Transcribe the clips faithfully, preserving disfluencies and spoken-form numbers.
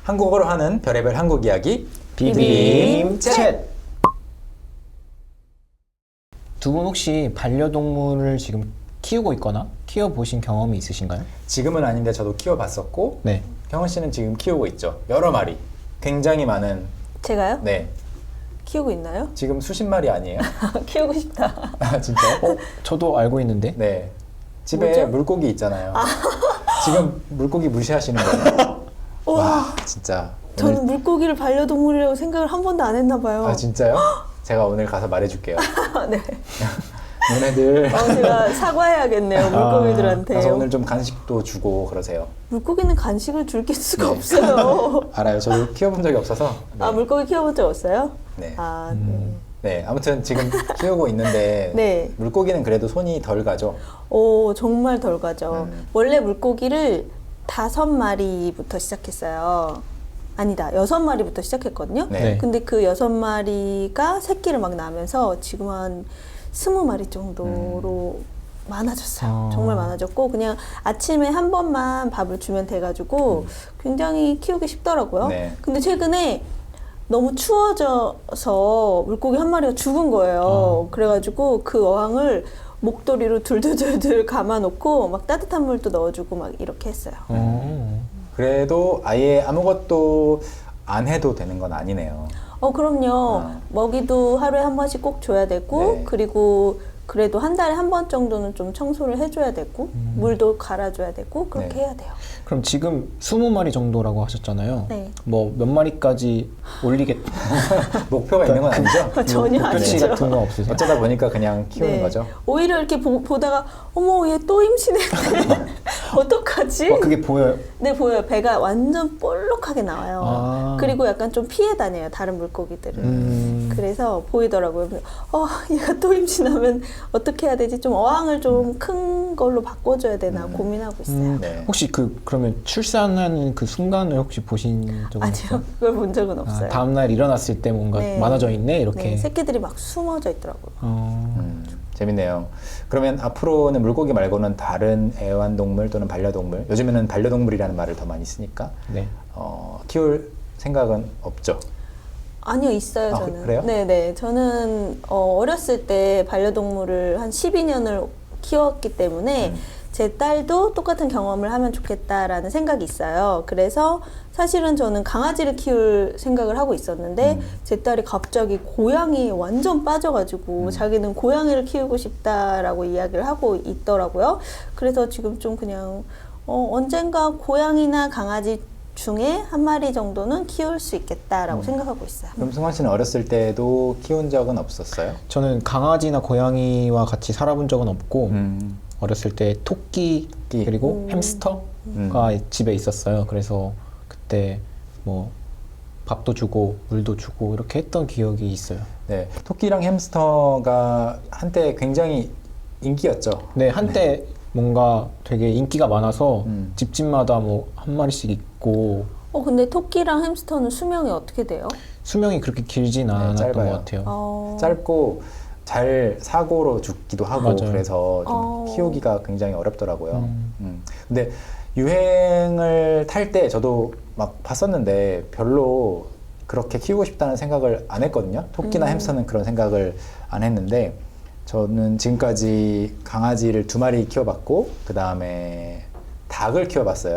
한국어로 하는 별의별 한국 이야기 비빔 챗. 두 분 혹시 반려동물을 지금 키우고 있거나 키워보신 경험이 있으신가요? 지금은 아닌데 저도 키워봤었고 네. 경원 씨는 지금 키우고 있죠. 여러 마리. 굉장히 많은. 제가요? 네. 키우고 있나요? 지금 수십 마리 아니에요? 키우고 싶다. 아 진짜요? 어? 저도 알고 있는데. 네. 집에 뭐죠? 물고기 있잖아요. 지금 물고기 무시하시는 거예요? 와 진짜. 저는 오늘- 물고기를 반려동물이라고 생각을 한 번도 안 했나 봐요. 아 진짜요? 제가 오늘 가서 말해줄게요. 네. 너네들 어, 제가 사과해야겠네요, 물고기들한테. 가서 오늘 좀 간식도 주고 그러세요. 물고기는 간식을 줄 수가 네. 없어요. 알아요. 저도 키워본 적이 없어서. 네. 아, 물고기 키워본 적 없어요? 네. 아, 음. 네. 아무튼 지금 키우고 있는데 네. 물고기는 그래도 손이 덜 가죠. 오, 정말 덜 가죠. 음. 원래 물고기를 다섯 마리부터 시작했어요. 아니다, 여섯 마리부터 시작했거든요. 네. 네. 근데 그 여섯 마리가 새끼를 막 낳으면서 지금 한 스무 마리 정도로 많아졌어요. 아. 정말 많아졌고 그냥 아침에 한 번만 밥을 주면 돼가지고 굉장히 키우기 쉽더라고요. 네. 근데 최근에 너무 추워져서 물고기 한 마리가 죽은 거예요. 그래가지고 그 어항을 목도리로 둘둘둘둘 감아놓고 막 따뜻한 물도 넣어주고 막 이렇게 했어요. 어. 그래도 아예 아무것도 안 해도 되는 건 아니네요. 어, 그럼요. 아. 먹이도 하루에 한 번씩 꼭 줘야 되고, 네. 그리고 그래도 한 달에 한 번 정도는 좀 청소를 해줘야 되고, 음. 물도 갈아줘야 되고, 그렇게 네. 해야 돼요. 그럼 지금 스무 마리 정도라고 하셨잖아요. 네. 뭐 몇 마리까지 올리겠 목표가 있는 건 아니죠? 전혀 목표치 아니죠. 같은 건 없으세요? 어쩌다 보니까 그냥 키우는 네. 거죠. 오히려 이렇게 보, 보다가, 어머, 얘 또 임신했네. 어떡하지? 어, 그게 보여요? 네, 보여요. 배가 완전 볼록하게 나와요. 아. 그리고 약간 좀 피해 다녀요, 다른 물고기들은. 음. 그래서 보이더라고요. 그래서 어, 얘가 또 임신하면 어떻게 해야 되지? 좀 어항을 좀 큰 걸로 바꿔줘야 되나 음. 고민하고 있어요. 음, 네. 혹시 그 그러면 출산하는 그 순간을 혹시 보신 적은 아니요, 없어요? 그걸 본 적은 없어요. 아, 다음 날 일어났을 때 뭔가 네. 많아져 있네 이렇게. 네, 새끼들이 막 숨어져 있더라고요. 어. 음, 재밌네요. 그러면 앞으로는 물고기 말고는 다른 애완동물 또는 반려동물, 요즘에는 반려동물이라는 말을 더 많이 쓰니까 네. 어, 키울 생각은 없죠? 아니요, 있어요, 아, 저는. 그래요? 네네. 저는 어, 어렸을 때 반려동물을 한 십이 년을 키웠기 때문에 음. 제 딸도 똑같은 경험을 하면 좋겠다라는 생각이 있어요. 그래서 사실은 저는 강아지를 키울 생각을 하고 있었는데 음. 제 딸이 갑자기 고양이에 완전 빠져가지고 음. 자기는 고양이를 키우고 싶다라고 이야기를 하고 있더라고요. 그래서 지금 좀 그냥 어, 언젠가 고양이나 강아지 중에 한 마리 정도는 키울 수 있겠다라고 음. 생각하고 있어요. 그럼 승환 씨는 어렸을 때도 키운 적은 없었어요? 저는 강아지나 고양이와 같이 살아본 적은 없고 음. 어렸을 때 토끼 토끼. 그리고 음. 햄스터가 음. 집에 있었어요. 그래서 그때 뭐 밥도 주고 물도 주고 이렇게 했던 기억이 있어요. 네, 토끼랑 햄스터가 한때 굉장히 인기였죠. 네, 한때 뭔가 되게 인기가 많아서 음. 집집마다 뭐 한 마리씩 있고 어, 근데 토끼랑 햄스터는 수명이 어떻게 돼요? 수명이 그렇게 길진 않았던 짧아요. 것 같아요. 어... 짧고 잘 사고로 죽기도 하고 맞아요. 그래서 좀 어. 키우기가 굉장히 어렵더라고요. 음. 음. 근데 유행을 탈 때 저도 막 봤었는데 별로 그렇게 키우고 싶다는 생각을 안 했거든요. 토끼나 음. 햄스터는 그런 생각을 안 했는데 저는 지금까지 강아지를 두 마리 키워봤고 그 다음에 닭을 키워봤어요.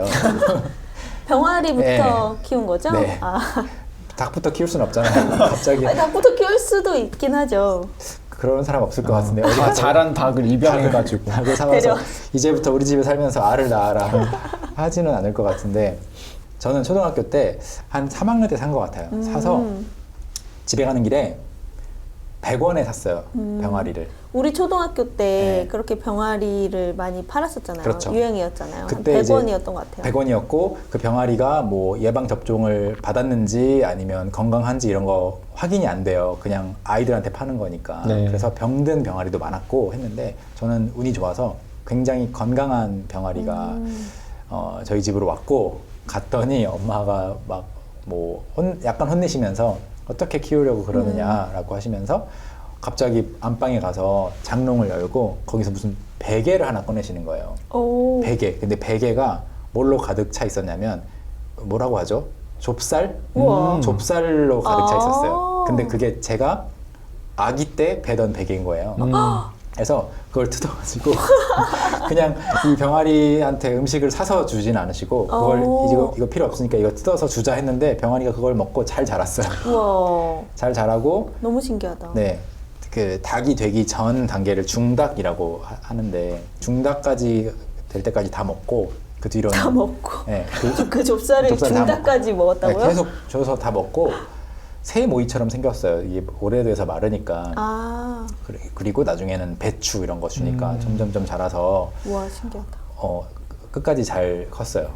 병아리부터 네. 키운 거죠? 네. 아, 닭부터 키울 순 없잖아요. 갑자기 아니, 닭부터 키울 수도 있긴 하죠. 그런 사람 없을 것 같은데 다 어디 가서 자란 닭을 입양해가지고 닭을 사와서 데려. 이제부터 우리 집에 살면서 알을 낳아라 하지는 않을 것 같은데 저는 초등학교 때 한 삼 학년 때 산 것 같아요. 음. 사서 집에 가는 길에 백 원에 샀어요. 음. 병아리를. 우리 초등학교 때 네. 그렇게 병아리를 많이 팔았었잖아요. 그렇죠. 유행이었잖아요. 그때 한 이제 백 원이었던 것 같아요. 백 원이었고 그 병아리가 뭐 예방 접종을 받았는지 아니면 건강한지 이런 거 확인이 안 돼요. 그냥 아이들한테 파는 거니까. 네. 그래서 병든 병아리도 많았고 했는데 저는 운이 좋아서 굉장히 건강한 병아리가 음. 어, 저희 집으로 왔고 갔더니 엄마가 막 뭐 약간 혼내시면서 어떻게 키우려고 그러느냐라고 하시면서 갑자기 안방에 가서 장롱을 열고 거기서 무슨 베개를 하나 꺼내시는 거예요. 오. 베개. 근데 베개가 뭘로 가득 차 있었냐면 뭐라고 하죠? 좁쌀? 우와. 좁쌀로 가득 차 아. 있었어요. 근데 그게 제가 아기 때 배던 베개인 거예요. 음. 그래서 그걸 뜯어가지고 그냥 이 병아리한테 음식을 사서 주진 않으시고 그걸 오. 이거, 이거 필요 없으니까 이거 뜯어서 주자 했는데 병아리가 그걸 먹고 잘 자랐어요. 우와. 잘 자라고 너무 신기하다. 네. 그 닭이 되기 전 단계를 중닭이라고 하- 하는데 중닭까지 될 때까지 다 먹고 그 뒤로는 다 먹고. 네, 그, 그 좁쌀을 좁쌀 다 중닭까지 먹- 먹었다고요? 네, 계속 줘서 다 먹고 새 모이처럼 생겼어요. 이게 오래돼서 마르니까. 아, 그래- 그리고 나중에는 배추 이런 거 주니까 음. 점점점 자라서 우와, 신기하다. 어, 끝까지 잘 컸어요.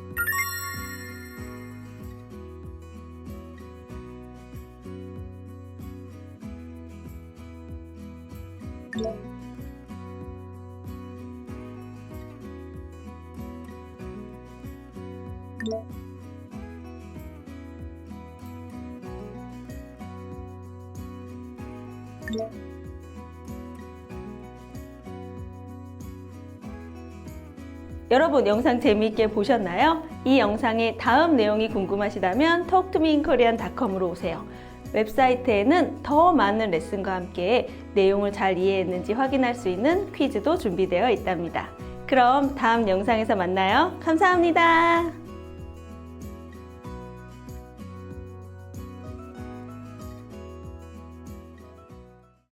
여러분 영상 재미있게 보셨나요? 이 영상의 다음 내용이 궁금하시다면 톡투미인코리안 닷컴으로 오세요. 웹사이트에는 더 많은 레슨과 함께 내용을 잘 이해했는지 확인할 수 있는 퀴즈도 준비되어 있답니다. 그럼 다음 영상에서 만나요. 감사합니다.